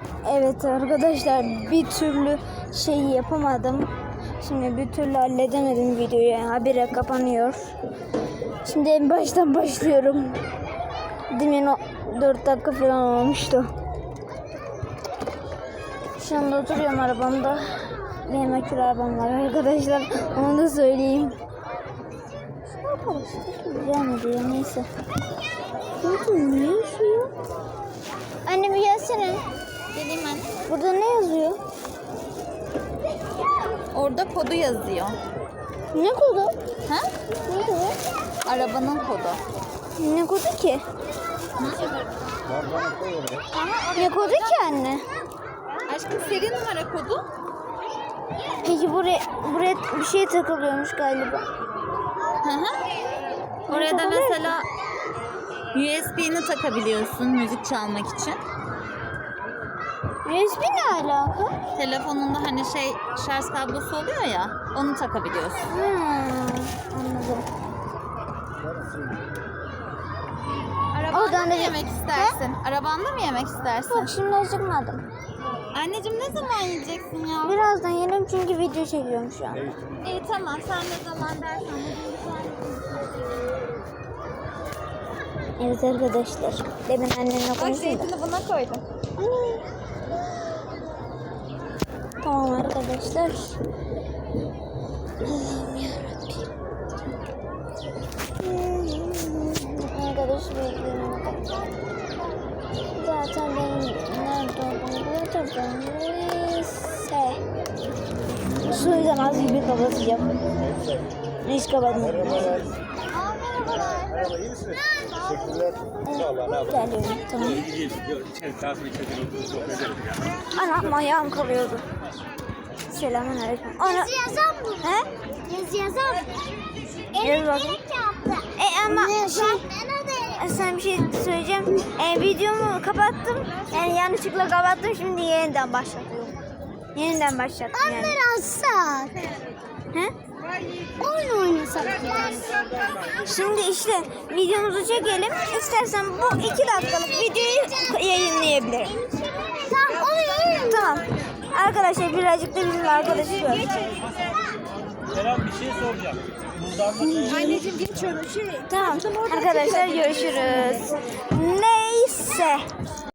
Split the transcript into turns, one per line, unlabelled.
Evet arkadaşlar, bir türlü şeyi yapamadım. Şimdi bir türlü halledemedim videoyu. Habire kapanıyor. Şimdi en baştan başlıyorum. Demin o 4 dakika falan olmuştu. Şu anda oturuyorum arabamda. Benim akülü arabam var arkadaşlar. Onu da söyleyeyim. Ne yapalım? Gelmedi ya, neyse. Ne yazıyor? Anne bir gelsene.
Geleyim ben.
Burada ne yazıyor?
Orada kodu yazıyor.
Ne kodu?
Ha?
Ne kodu?
Arabanın kodu.
Ne kodu ki? Ne kodu ki anne?
Aşkım seri numara kodu.
Peki buraya bir şey takılıyormuş galiba.
Hı hı. Oraya da mesela USB'ni takabiliyorsun müzik çalmak için.
USB ne alaka?
Telefonunda hani şarj kablosu oluyor ya, onu takabiliyorsun.
Anladım.
Arabanda
Oradan
mı
da-
yemek istersin? Arabanda mı yemek istersin?
Yok, şimdi acıkmadım.
Anneciğim ne zaman yiyeceksin ya?
Birazdan yerim çünkü video çekiyorum şu an.
İyi tamam, sen ne zaman dersen.
Evet arkadaşlar. Demin annemle
Bak
konuştum da.
zeytini buna koydum.
Tamam arkadaşlar. Allah'ım yarabbim. Arkadaş bekliyorum. Zaten benim nerede olduğumu hatırlamıyorum. Neyse. Şu yüzden az gibi kapatacağım. Hiç kapatmadım.
Merhaba, iyi misiniz? Teşekkürler. Sağ olun. Ne yapalım?
Geliyorum, tamam. Anam ayağım kalıyordu. Selamünaleyküm. Ana.
Yazı yazar mı?
He?
Yazı yazar mı?
Yaz bakayım. Ama sen bir şey söyleyeceğim. Videomu kapattım. Yani yanlışlıkla kapattım. Şimdi yeniden başlatıyorum. Yeniden başlattım yani.
Alsak.
He?
Oyun oynasak.
Şimdi işte videomuzu çekelim. İstersen bu 2 dakikalık videoyu yayınlayabilirim.
Tamam oluyor.
Tamam. Arkadaşlar birazcık da bizim arkadaşı var.
Kerem bir şey soracağım.
Anneciğim geçiyorum.
Tamam. Arkadaşlar görüşürüz. Neyse.